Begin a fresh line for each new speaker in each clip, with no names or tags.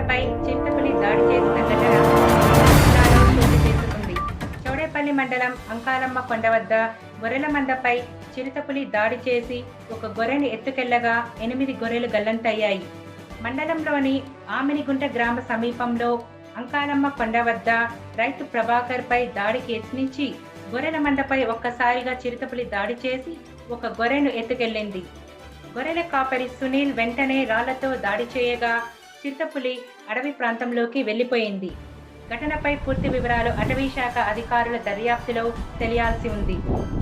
మందపై చిరుతపులి దాడి చేసిన ఘటన జిల్లాలో చోటు చేసుకుంది. చౌడేపల్లి మండలం అంకాలమ్మ కొండ వద్ద గొర్రెల మందపై చిరుతపులి దాడి చేసి ఒక గొర్రెను ఎత్తుకెళ్లగా 8 గొర్రెలు గల్లంతయ్యాయి. మండలంలోని ఆమినిగుంట గ్రామ సమీపంలో అంకాలమ్మ కొండ వద్ద రైతు ప్రభాకర్ పై దాడికి యత్నించి గొర్రెల మందపై ఒక్కసారిగా చిరుతపులి దాడి చేసి ఒక గొర్రెను ఎత్తుకెళ్లింది. గొర్రెల కాపరి సునీల్ వెంటనే రాళ్లతో దాడి చేయగా చిరుతపులి అడవి ప్రాంతంలోకి వెళ్లిపోయింది. ఘటనపై పూర్తి వివరాలు అటవీ శాఖ అధికారుల దర్యాప్తులో తెలియాల్సి ఉంది.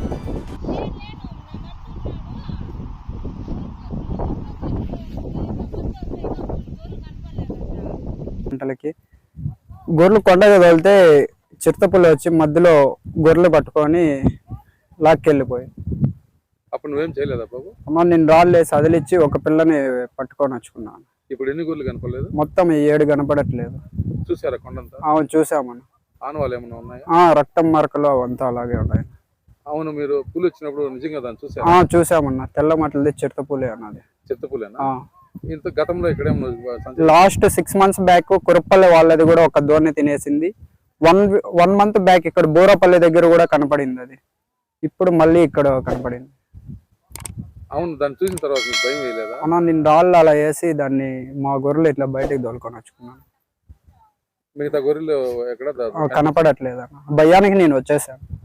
గంటలకి గొర్రెలు కొండగా తోలితే చిరుతపుల్లి వచ్చి మధ్యలో గొర్రెలు పట్టుకొని లాక్కెళ్ళిపోయి.
అప్పుడు నువ్వేం చేయలేదా బాబు?
అమ్మ నేను రాళ్ళు వేసి అదిలిచ్చి ఒక పిల్లని పట్టుకొని వచ్చుకున్నాను.
ఇప్పుడు ఎన్ని గొర్రెలు కనపడలేదు?
మొత్తం 7 కనపడట్లేదు.
చూసారా కొండంతా?
అవును చూసామన్న.
ఆనవాళ్ళు ఏమైనా ఉన్నాయా?
రక్తం మార్కలు అవంతా అలాగే ఉన్నాయి.
అవును, మీరు పులి వచ్చినప్పుడు నిజంగా దాన్ని చూసారా?
చూసామన్న. తెల్ల మట్లది చిరుతపులి అన్నది.
చిరుతపులేనా? ఇంత గతంలో ఇక్కడేమో
లాస్ట్ 6 months బ్యాక్ కురప్పల్లి వాళ్ళది కూడా ఒక దోణి తినేసింది. 1 month బ్యాక్ ఇక్కడ బోరపల్లి దగ్గర కూడా కనపడింది అది. ఇప్పుడు మళ్ళీ ఇక్కడ కనపడింది.
అవును, దాన్ని చూసిన తర్వాత మీకు భయం వేయలేదా?
అన్నా నేను రాళ్ళు అలా వేసి దాన్ని మా గొర్రెలు ఇట్లా బయటకు దొలుకొని వచ్చుకున్నాను.
మిగతా గొర్రెలు ఎక్కడ
కనపడట్లేదు అన్న. భయానికి నేను వచ్చేసాను.